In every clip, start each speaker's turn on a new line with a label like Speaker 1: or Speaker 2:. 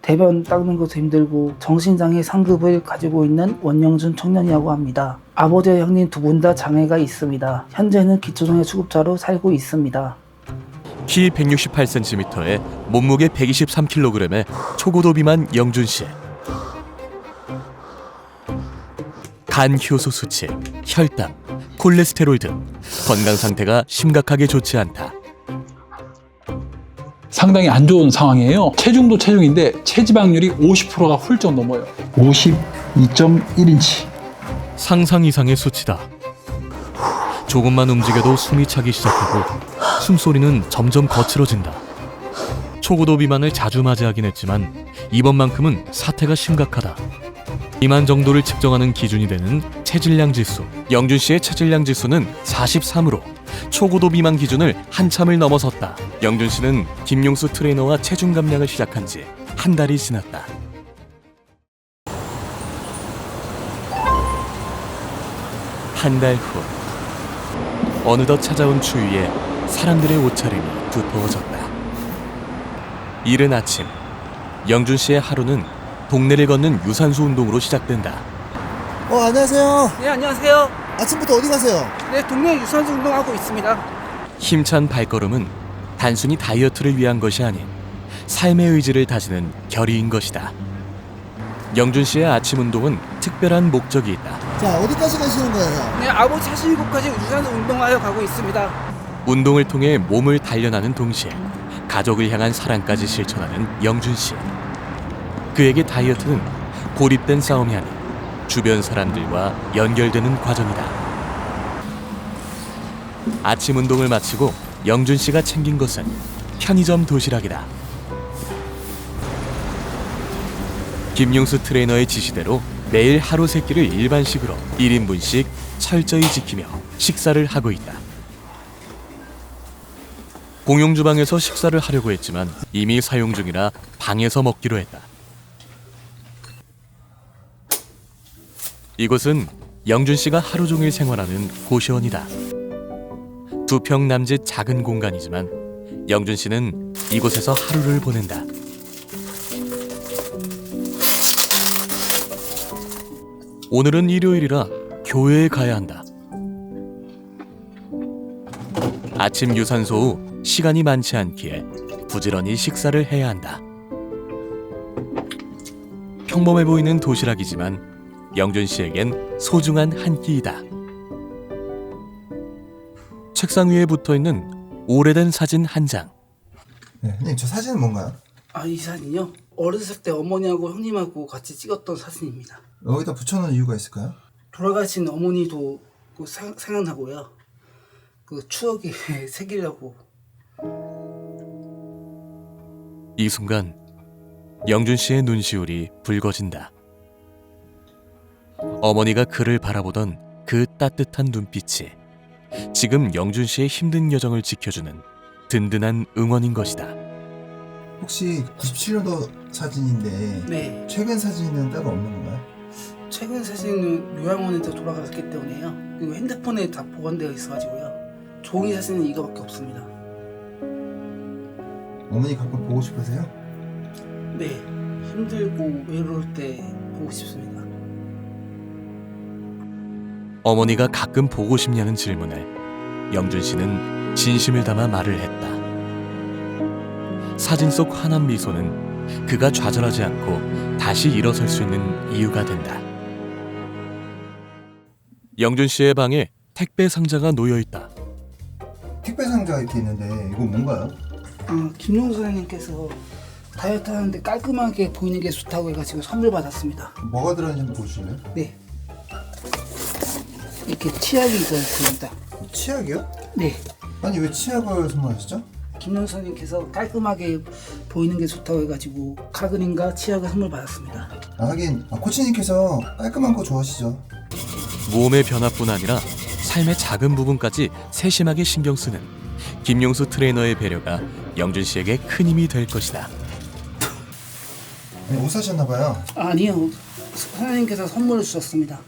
Speaker 1: 대변 닦는 것도 힘들고 정신장애 상급을 가지고 있는 원영준 청년이라고 합니다. 아버지와 형님 두 분 다 장애가 있습니다. 현재는 기초장애 수급자로 살고 있습니다.
Speaker 2: 키 168cm에 몸무게 123kg의 초고도 비만 영준씨. 간 효소 수치, 혈당, 콜레스테롤 등 건강 상태가 심각하게 좋지 않다.
Speaker 3: 상당히 안 좋은 상황이에요. 체중도 체중인데 체지방률이 50%가 훌쩍 넘어요. 52.1인치.
Speaker 2: 상상 이상의 수치다. 조금만 움직여도 숨이 차기 시작하고 숨소리는 점점 거칠어진다. 초고도 비만을 자주 맞이하긴 했지만 이번만큼은 사태가 심각하다. 비만 정도를 측정하는 기준이 되는 체질량 지수. 영준 씨의 체질량 지수는 43으로 초고도 비만 기준을 한참을 넘어섰다. 영준 씨는 김용수 트레이너와 체중 감량을 시작한 지 한 달이 지났다. 한 달 후, 어느덧 찾아온 추위에 사람들의 옷차림이 두터워졌다. 이른 아침, 영준 씨의 하루는 동네를 걷는 유산소 운동으로 시작된다.
Speaker 4: 안녕하세요.
Speaker 1: 네, 안녕하세요.
Speaker 4: 아침부터 어디 가세요?
Speaker 1: 네, 동네 유산소 운동하고 있습니다.
Speaker 2: 힘찬 발걸음은 단순히 다이어트를 위한 것이 아닌 삶의 의지를 다지는 결의인 것이다. 영준 씨의 아침 운동은 특별한 목적이 있다.
Speaker 4: 자, 어디까지 가시는 거예요?
Speaker 1: 네, 아버지 하시는 곳까지 유산소 운동하여 가고 있습니다.
Speaker 2: 운동을 통해 몸을 단련하는 동시에 가족을 향한 사랑까지 실천하는 영준 씨. 그에게 다이어트는 고립된 싸움이 아닌 주변 사람들과 연결되는 과정이다. 아침 운동을 마치고 영준 씨가 챙긴 것은 편의점 도시락이다. 김용수 트레이너의 지시대로 매일 하루 3끼를 일반식으로 1인분씩 철저히 지키며 식사를 하고 있다. 공용 주방에서 식사를 하려고 했지만 이미 사용 중이라 방에서 먹기로 했다. 이곳은 영준 씨가 하루 종일 생활하는 고시원이다. 2평 남짓 작은 공간이지만 영준 씨는 이곳에서 하루를 보낸다. 오늘은 일요일이라 교회에 가야 한다. 아침 유산소 후 시간이 많지 않기에 부지런히 식사를 해야 한다. 평범해 보이는 도시락이지만 영준 씨에겐 소중한 한 끼이다. 책상 위에 붙어있는 오래된 사진 한 장.
Speaker 4: 네, 형님, 저 사진은 뭔가요?
Speaker 1: 이 사진이요? 어렸을 때 어머니하고 형님하고 같이 찍었던 사진입니다.
Speaker 4: 여기다 붙여놓은 이유가 있을까요?
Speaker 1: 돌아가신 어머니도 생각나고요. 그 추억에 새기려고.
Speaker 2: 이 순간 영준 씨의 눈시울이 붉어진다. 어머니가 그를 바라보던 그 따뜻한 눈빛이 지금 영준 씨의 힘든 여정을 지켜주는 든든한 응원인 것이다.
Speaker 4: 혹시 97년도 사진인데
Speaker 1: 네,
Speaker 4: 최근 사진은 따로 없는 건가요?
Speaker 1: 최근 사진은 요양원에서 돌아갔기 때문에요. 그리고 핸드폰에 다 보관되어 있어가지고요. 종이 사진은 이거밖에 없습니다.
Speaker 4: 어머니 가끔 보고 싶으세요?
Speaker 1: 네, 힘들고 외로울 때 보고 싶습니다.
Speaker 2: 어머니가 가끔 보고 싶냐는 질문에 영준 씨는 진심을 담아 말을 했다. 사진 속 환한 미소는 그가 좌절하지 않고 다시 일어설 수 있는 이유가 된다. 영준 씨의 방에 택배 상자가 놓여 있다.
Speaker 4: 택배 상자가 이렇게 있는데 이건 뭔가요?
Speaker 1: 김용수 선생님께서 다이어트 하는데 깔끔하게 보이는 게 좋다고 해가지고 선물 받았습니다.
Speaker 4: 뭐가 들어있는지 한번 보여주실래요?
Speaker 1: 네, 이렇게 치약이 있습니다.
Speaker 4: 치약이요?
Speaker 1: 네,
Speaker 4: 아니 왜 치약을 선물하셨죠?
Speaker 1: 김용수 선생님께서 깔끔하게 보이는 게 좋다고 해가지고 카그린과 치약을 선물 받았습니다.
Speaker 4: 하긴 코치님께서 깔끔한 거 좋아하시죠?
Speaker 2: 몸의 변화뿐 아니라 삶의 작은 부분까지 세심하게 신경 쓰는 김용수 트레이너의 배려가 영준 씨에게 큰 힘이 될 것이다.
Speaker 4: 옷 사셨나봐요.
Speaker 1: 아니요, 선생님께서 선물을 주셨습니다.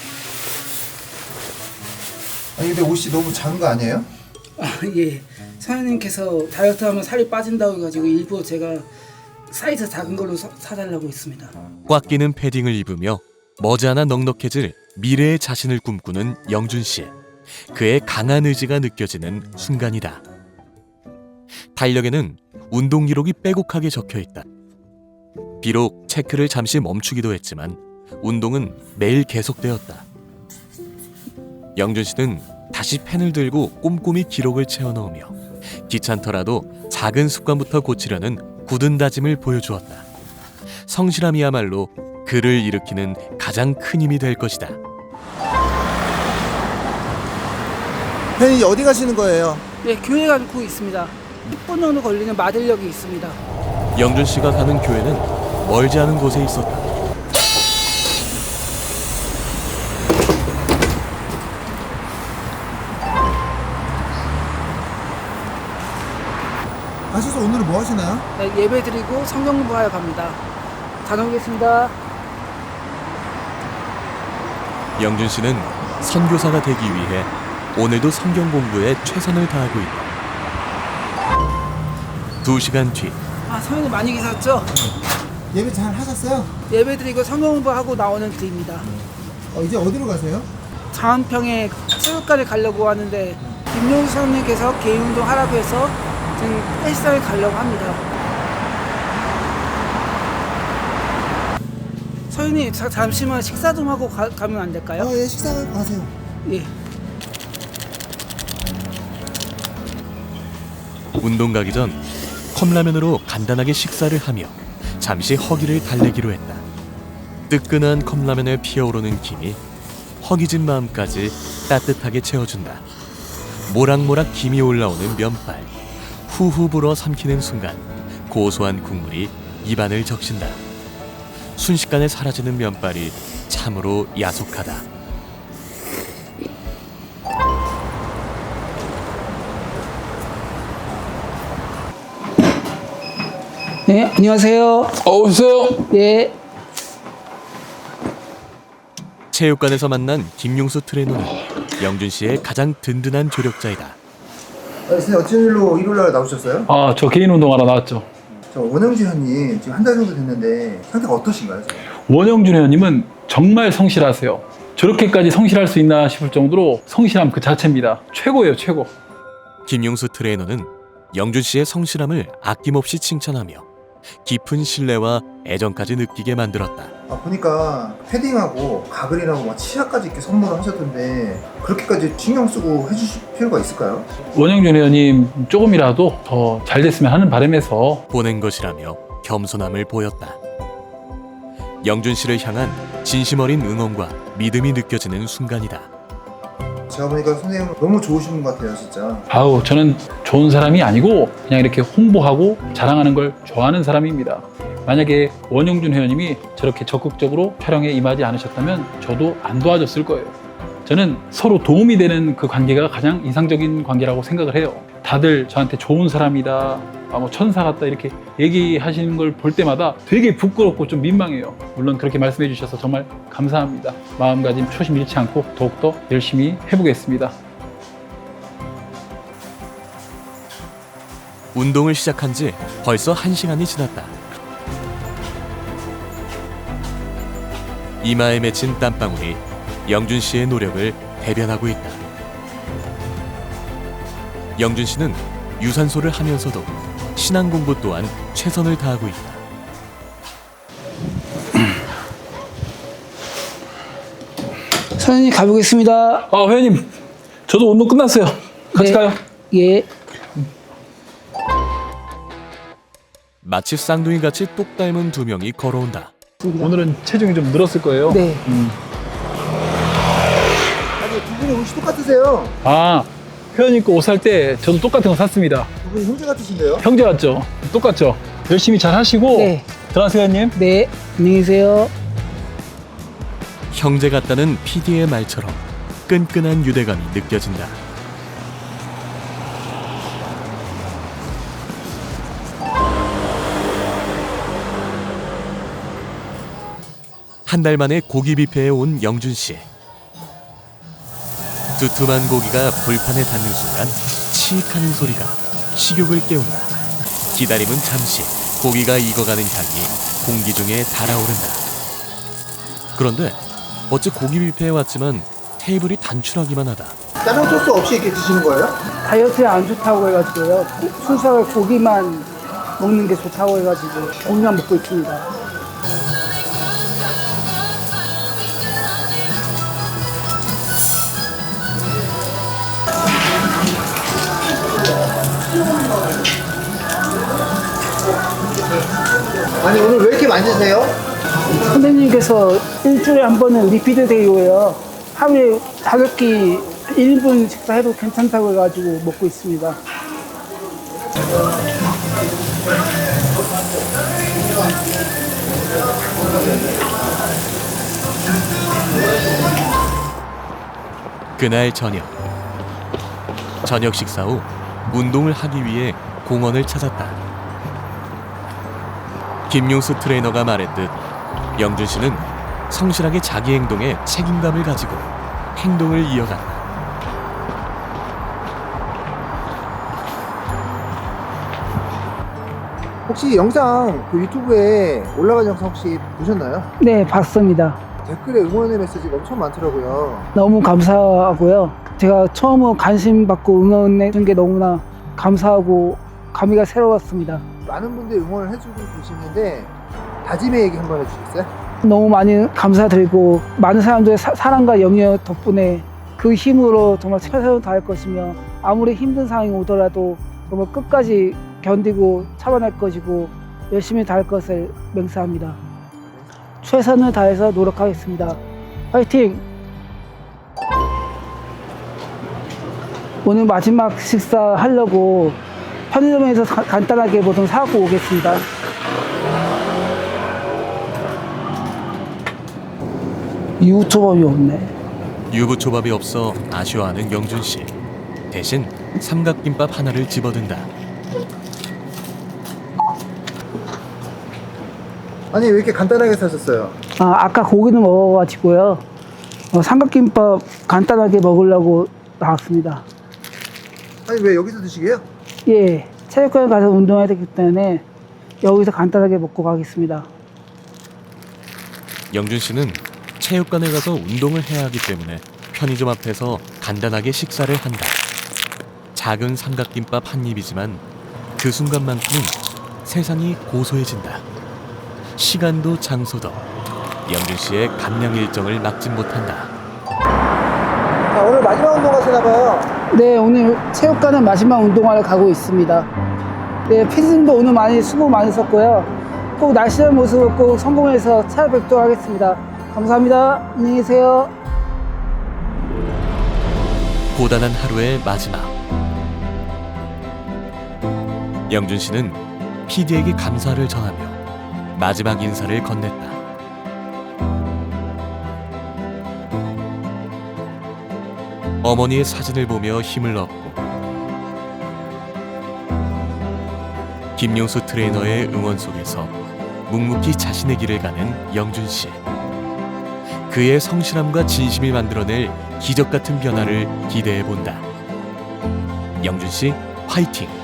Speaker 4: 아니 근데 옷이 너무 작은 거 아니에요?
Speaker 1: 예, 선생님께서 다이어트하면 살이 빠진다고 해가지고 일부러 제가 사이즈 작은 걸로 사달라고 했습니다.
Speaker 2: 꽉 끼는 패딩을 입으며 머지않아 넉넉해질 미래의 자신을 꿈꾸는 영준 씨. 그의 강한 의지가 느껴지는 순간이다. 달력에는 운동 기록이 빼곡하게 적혀 있다. 비록 체크를 잠시 멈추기도 했지만 운동은 매일 계속되었다. 영준 씨는 다시 펜을 들고 꼼꼼히 기록을 채워 넣으며 귀찮더라도 작은 습관부터 고치려는 굳은 다짐을 보여주었다. 성실함이야말로 그를 일으키는 가장 큰 힘이 될 것이다.
Speaker 5: 회원님 어디 가시는 거예요?
Speaker 1: 네, 교회 가고 있습니다. 10분 정도 걸리는 마들역이 있습니다.
Speaker 2: 영준 씨가 가는 교회는 멀지 않은 곳에 있었다.
Speaker 5: 가셔서 오늘은 뭐 하시나요?
Speaker 1: 네, 예배 드리고 성경 공부하러 갑니다. 다녀오겠습니다.
Speaker 2: 영준 씨는 선교사가 되기 위해 오늘도 성경 공부에 최선을 다하고 있다. 2시간 뒤
Speaker 1: 아, 성경님 많이 계셨죠?
Speaker 5: 예배 잘 하셨어요?
Speaker 1: 예배 드리고 성경 공부하고 나오는 길입니다.
Speaker 5: 이제 어디로 가세요?
Speaker 1: 장안평에 체육관에 가려고 하는데 김용수 선생님께서 개인 운동 하라고 해서 지금 헬스장에 가려고 합니다. 선생님 잠시만 식사 좀 하고 가면 안 될까요?
Speaker 5: 예, 식사 가세요.
Speaker 1: 예.
Speaker 2: 운동 가기 전 컵라면으로 간단하게 식사를 하며 잠시 허기를 달래기로 했다. 뜨끈한 컵라면에 피어오르는 김이 허기진 마음까지 따뜻하게 채워준다. 모락모락 김이 올라오는 면발, 후후 불어 삼키는 순간 고소한 국물이 입안을 적신다. 순식간에 사라지는 면발이 참으로 야속하다.
Speaker 1: 네, 안녕하세요.
Speaker 3: 오세요.
Speaker 1: 예.
Speaker 2: 체육관에서 만난 김용수 트레이너는 영준 씨의 가장 든든한 조력자이다.
Speaker 4: 선생님 어쩐 일로 일요일날 나오셨어요?
Speaker 3: 아, 저 개인 운동하러 나왔죠.
Speaker 4: 저 원영주 회원님 지금 한 달 정도 됐는데 상태가 어떠신가요? 지금?
Speaker 3: 원영준 회원님은 정말 성실하세요. 저렇게까지 성실할 수 있나 싶을 정도로 성실함 그 자체입니다. 최고예요, 최고.
Speaker 2: 김용수 트레이너는 영준 씨의 성실함을 아낌없이 칭찬하며 깊은 신뢰와 애정까지 느끼게 만들었다.
Speaker 4: 보니까 패딩하고 가글이랑 막 치아까지 이렇게 선물을 하셨던데 그렇게까지 신경 쓰고 해주실 필요가 있을까요?
Speaker 3: 원영준 회원님 조금이라도 더 잘 됐으면 하는 바람에서
Speaker 2: 보낸 것이라며 겸손함을 보였다. 영준 씨를 향한 진심 어린 응원과 믿음이 느껴지는 순간이다.
Speaker 4: 제가 보니까 선생님 너무 좋으신 분 같아요 진짜.
Speaker 3: 아우, 저는 좋은 사람이 아니고 그냥 이렇게 홍보하고 자랑하는 걸 좋아하는 사람입니다. 만약에 원영준 회원님이 저렇게 적극적으로 촬영에 임하지 않으셨다면 저도 안 도와줬을 거예요. 저는 서로 도움이 되는 그 관계가 가장 이상적인 관계라고 생각을 해요. 다들 저한테 좋은 사람이다, 뭐 천사 같다 이렇게 얘기하시는 걸 볼 때마다 되게 부끄럽고 좀 민망해요. 물론 그렇게 말씀해 주셔서 정말 감사합니다. 마음가짐 초심 잃지 않고 더욱더 열심히 해보겠습니다.
Speaker 2: 운동을 시작한 지 벌써 1시간이 지났다. 이마에 맺힌 땀방울이 영준 씨의 노력을 대변하고 있다. 영준 씨는 유산소를 하면서도 신앙 공부 또한 최선을 다하고 있다.
Speaker 1: 선생님 가보겠습니다.
Speaker 3: 아, 회원님, 저도 운동 끝났어요. 같이
Speaker 1: 네.
Speaker 3: 가요.
Speaker 1: 예.
Speaker 2: 마치 쌍둥이같이 똑 닮은 두 명이 걸어온다.
Speaker 3: 오늘은 체중이 좀 늘었을 거예요.
Speaker 1: 네.
Speaker 4: 아니 두 분이 옷이 똑같으세요.
Speaker 3: 아, 회원님 거 옷 살 때 저도 똑같은 거 샀습니다.
Speaker 4: 두 분이 형제 같으신데요?
Speaker 3: 형제 같죠? 똑같죠? 열심히 잘 하시고
Speaker 1: 네.
Speaker 3: 들어가세요, 회원님.
Speaker 1: 네. 안녕히 계세요.
Speaker 2: 형제 같다는 PD의 말처럼 끈끈한 유대감이 느껴진다. 한 달 만에 고기 뷔페에 온 영준 씨. 두툼한 고기가 불판에 닿는 순간 치익하는 소리가 식욕을 깨운다. 기다림은 잠시, 고기가 익어가는 향이 공기 중에 달아오른다. 그런데 어째 고기 뷔페에 왔지만 테이블이 단출하기만 하다.
Speaker 4: 다른 소스 없이 이렇게 드시는 거예요?
Speaker 1: 다이어트에 안 좋다고 해가지고요. 순수하게 고기만 먹는 게 좋다고 해가지고 고기만 먹고 있습니다.
Speaker 4: 아니 오늘 왜 이렇게 많이 드세요?
Speaker 1: 선생님께서 일주일에 한 번은 리피드 데이고요. 하루에 가볍게 1분 식사해도 괜찮다고 해가지고 먹고 있습니다.
Speaker 2: 그날 저녁 식사 후 운동을 하기 위해 공원을 찾았다. 김용수 트레이너가 말했듯 영준 씨는 성실하게 자기 행동에 책임감을 가지고 행동을 이어간다.
Speaker 4: 혹시 영상 그 유튜브에 올라간 영상 혹시 보셨나요?
Speaker 1: 네, 봤습니다.
Speaker 4: 댓글에 응원의 메시지가 엄청 많더라고요.
Speaker 1: 너무 감사하고요. 제가 처음으로 관심 받고 응원해 준 게 너무나 감사하고 감회가 새로웠습니다.
Speaker 4: 많은 분들이 응원을 해주고 계시는데 다짐의 얘기 한번 해주시겠어요?
Speaker 1: 너무 많이 감사드리고 많은 사람들의 사랑과 염려 덕분에 그 힘으로 정말 최선을 다할 것이며 아무리 힘든 상황이 오더라도 정말 끝까지 견디고 참아낼 것이고 열심히 다할 것을 맹세합니다. 최선을 다해서 노력하겠습니다. 화이팅! 오늘 마지막 식사 하려고 편의점에서 간단하게 뭐 좀 사고 오겠습니다. 유부초밥이 없네.
Speaker 2: 유부초밥이 없어 아쉬워하는 영준 씨. 대신 삼각김밥 하나를 집어든다.
Speaker 4: 아니 왜 이렇게 간단하게 사셨어요?
Speaker 1: 아까 고기는 먹어가지고요. 삼각김밥 간단하게 먹으려고 나왔습니다.
Speaker 4: 아니 왜 여기서 드시게요?
Speaker 1: 예, 체육관에 가서 운동해야 되기 때문에 여기서 간단하게 먹고 가겠습니다.
Speaker 2: 영준 씨는 체육관에 가서 운동을 해야 하기 때문에 편의점 앞에서 간단하게 식사를 한다. 작은 삼각김밥 한 입이지만 그 순간만큼은 세상이 고소해진다. 시간도 장소도 영준 씨의 감량 일정을 막지 못한다.
Speaker 4: 자 오늘 마지막 운동 가시나봐요.
Speaker 1: 네, 오늘 체육관은 마지막 운동하러 가고 있습니다. 네, 피디님도 오늘 수고 많이 썼고요. 꼭 날씬한 모습을 꼭 성공해서 찾아뵙도록 하겠습니다. 감사합니다. 안녕히 계세요.
Speaker 2: 고단한 하루의 마지막. 영준 씨는 PD에게 감사를 전하며 마지막 인사를 건넸다. 어머니의 사진을 보며 힘을 얻고 김용수 트레이너의 응원 속에서 묵묵히 자신의 길을 가는 영준 씨. 그의 성실함과 진심이 만들어낼 기적 같은 변화를 기대해 본다. 영준 씨 화이팅!